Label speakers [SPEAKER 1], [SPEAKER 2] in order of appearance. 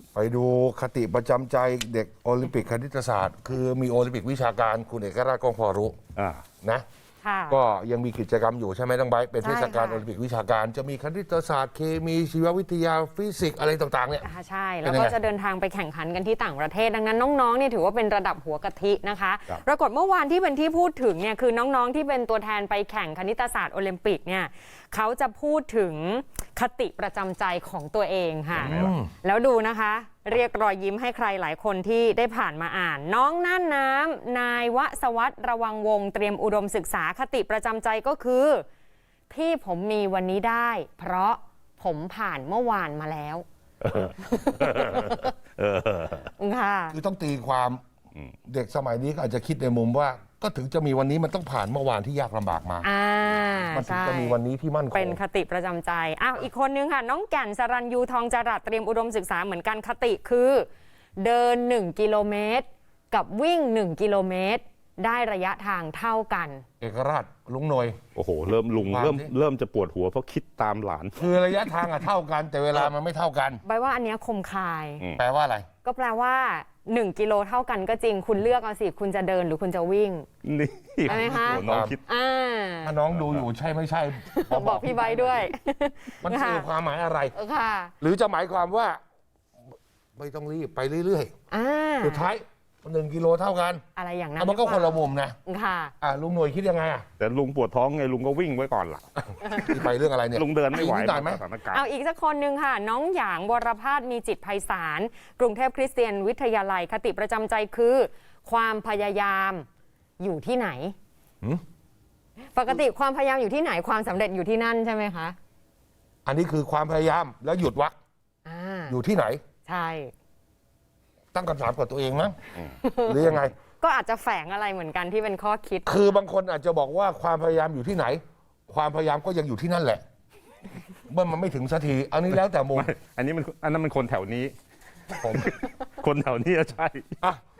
[SPEAKER 1] ไปดูคติประจำใจเด็กโอลิมปิกคณิตศาสตร์ คือมีโอลิมปิกวิชาการคุณเอกราชกองพอรู้นะ ก็ยังมีกิจกรรมอยู่ใช่ไหมน้องไบร์ทเป็นเทศกาลโอลิมปิกวิชาการจะมีคณิตศาสตร์เคมีชีววิทยาฟิสิกส์อะไรต่างๆเนี่ย
[SPEAKER 2] ใช่แล้วก็จะเดินทางไปแข่งขันกันที่ต่างประเทศดังนั้นน้องๆเนี่ยถือว่าเป็นระดับหัวกะทินะคะปรากฏเมื่อวานที่เป็นที่พูดถึงเนี่ยคือน้องๆที่เป็นตัวแทนไปแข่งคณิตศาสตร์โอลิมปิกเนี่ยเขาจะพูดถึงคติประจำใจของตัวเองค่ะแล้วดูนะคะเรียกรอยยิ้มให้ใครหลายคนที่ได้ผ่านมาอ่านน้องน่านน้ำนายวศวัฒน์ระวังวงเตรียมอุดมศึกษาคติประจำใจก็คือที่ผมมีวันนี้ได้เพราะผมผ่านเมื่อวานมาแล้วค่ะ
[SPEAKER 1] คือต้องตีความเด็กสมัยนี้ก็อาจจะคิดในมุมว่าก็ถึงจะมีวันนี้มันต้องผ่านเมื่อวานที่ยากลำบากมามันถึงจะมีวันนี้ที่มั่นคง
[SPEAKER 2] เป็นคติประจำใจอีกคนนึงค่ะน้องแก่นสรัญยูทองจรัสเตรียมอุดมศึกษาเหมือนกันคติคือเดิน1 กิโลเมตรกับวิ่ง1 กิโลเมตรได้ระยะทางเท่ากัน
[SPEAKER 1] เอกราชลุงหน่อย
[SPEAKER 3] โอ้โหเริ่มจะปวดหัวเพราะคิดตามหลาน
[SPEAKER 1] คือระยะทางเท่ากันแต่เวลามันไม่เท่ากัน
[SPEAKER 2] ใบว่าอันนี้คมคาย
[SPEAKER 1] แปลว่าอะไร
[SPEAKER 2] ก็แปลว่า1 กิโลเท่ากันก็จริงคุณเลือกเอาสิคุณจะเดินหรือคุณจะวิ่ง
[SPEAKER 3] นี่
[SPEAKER 2] ใช่ไหมคะ
[SPEAKER 3] น้องคิด
[SPEAKER 1] ถ้าน้องดูอยู่ใช่ไม่ใช่
[SPEAKER 2] บอกพี่ใบด้วย
[SPEAKER 1] มันคือความหมายอะไร
[SPEAKER 2] ค่ะ
[SPEAKER 1] หรือจะหมายความว่าไม่ต้องรีบไปเรื่อยๆสุดท้าย1 กิโลเท่ากัน
[SPEAKER 2] อะไรอย่างนั้น
[SPEAKER 1] มันก็คนละมุมนะ
[SPEAKER 2] ค่ะ
[SPEAKER 1] ลุงหน่วยคิดยังไง
[SPEAKER 3] แต่ลุงปวดท้องไงลุงก็วิ่งไว้ก่อนล่ะ
[SPEAKER 1] ไปเรื่องอะไรเนี่ย
[SPEAKER 3] ลุงเดินไม่ไหว
[SPEAKER 2] เอาอีกสักคนหนึ่งค่ะน้องหยางวรภาสมีจิตไพศาลกรุงเทพคริสเตียนวิทยาลัยคติประจำใจคือความพยายามอยู่ที่ไหนปกติความพยายามอยู่ที่ไหนความสำเร็จอยู่ที่นั่นใช่ไหมคะ
[SPEAKER 1] อันนี้คือความพยายามแล้วหยุดวะอยู่ที่ไหน
[SPEAKER 2] ใช่
[SPEAKER 1] ตั้งคำถามกับตัวเองมั้งหรือยังไง
[SPEAKER 2] ก็อาจจะแฝงอะไรเหมือนกันที่เป็นข้อคิด
[SPEAKER 1] คือบางคนอาจจะบอกว่าความพยายามอยู่ที่ไหนความพยายามก็ยังอยู่ที่นั่นแหละเมื่อมันไม่ถึงสักทีอันนี้แล้วแต่มุม
[SPEAKER 3] อันนั้นมันคนแถวนี้ผมคนแถวนี้ใช่